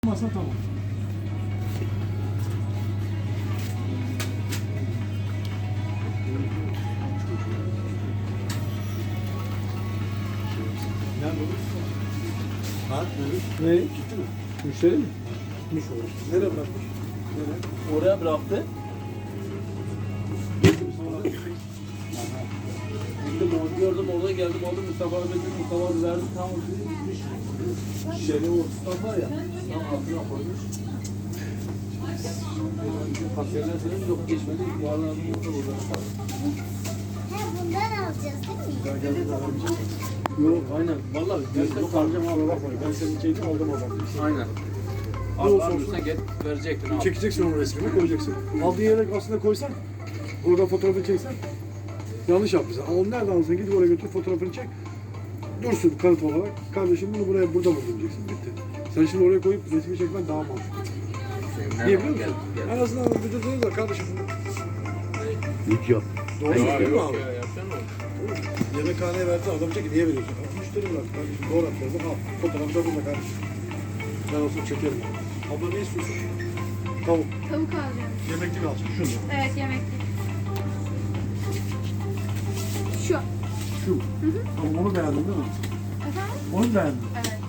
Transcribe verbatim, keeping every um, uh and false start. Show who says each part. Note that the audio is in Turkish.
Speaker 1: Masa tamam.
Speaker 2: Nerede olur? Saat ne?
Speaker 1: Ne?
Speaker 2: Gitti mi?
Speaker 1: Müşteri mi?
Speaker 2: Gitmiş olur. Nereye bırakmış? Nereye?
Speaker 3: Oraya bıraktı.
Speaker 2: Gitti mi sonra?
Speaker 3: Gittim orada gördüm, orada geldim, orada Mustafa abi dedim, Mustafa abi verdi, tamam dedi, gitmiş. Şişeli ortasından var ya, tam altına koymuş. Kasiyerler dedim, yok geçmedi, yarın adım orada burada.
Speaker 4: He bundan alacağız değil mi?
Speaker 2: Gel gel bir daha
Speaker 3: Yok, aynen. Vallahi gerçekten kalacağım abi.
Speaker 2: bakma. Ben senin şeyini aldım oradan.
Speaker 3: Aynen.
Speaker 2: Ne
Speaker 3: Abi
Speaker 2: olursa
Speaker 3: almışsan
Speaker 2: olsun.
Speaker 3: get, verecektin abi.
Speaker 2: Çekeceksin onun resmini, koyacaksın. Aldığın yere aslında koysan, oradan fotoğrafını çeksen, yanlış yapmışsın. Ama onu nereden alırsan gidip oraya götür, fotoğrafını çek. Dursun kanıt olarak. Kardeşim bunu buraya, burada buldum diyeceksin. Bitti. Sen şimdi oraya koyup resmi çekmen daha mantıklı. Niye biliyor musun? En azından bir de diyoruz da kardeşim bunu.
Speaker 5: Video.
Speaker 2: Doğru söylüyor
Speaker 3: Yok,
Speaker 2: mu
Speaker 3: yok
Speaker 2: abi?
Speaker 3: ya, yapsana oğlum.
Speaker 2: Yemekhaneye verdi, adam diyecek ki niye veriyorsun? Müşteri bırak kardeşim, doğru atlarını al. Fotoğrafı da burada kardeşim. Ben olsun çekerim. Abla ne istiyorsun? Tavuk.
Speaker 4: Tavuk alacağım.
Speaker 2: Yemeklik alacaksın. Şunu.
Speaker 4: Evet yemekli. Şu.
Speaker 2: Şu. Tamam onu beğendin değil mi?
Speaker 4: Efendim?
Speaker 2: Onu beğendin.
Speaker 4: Evet.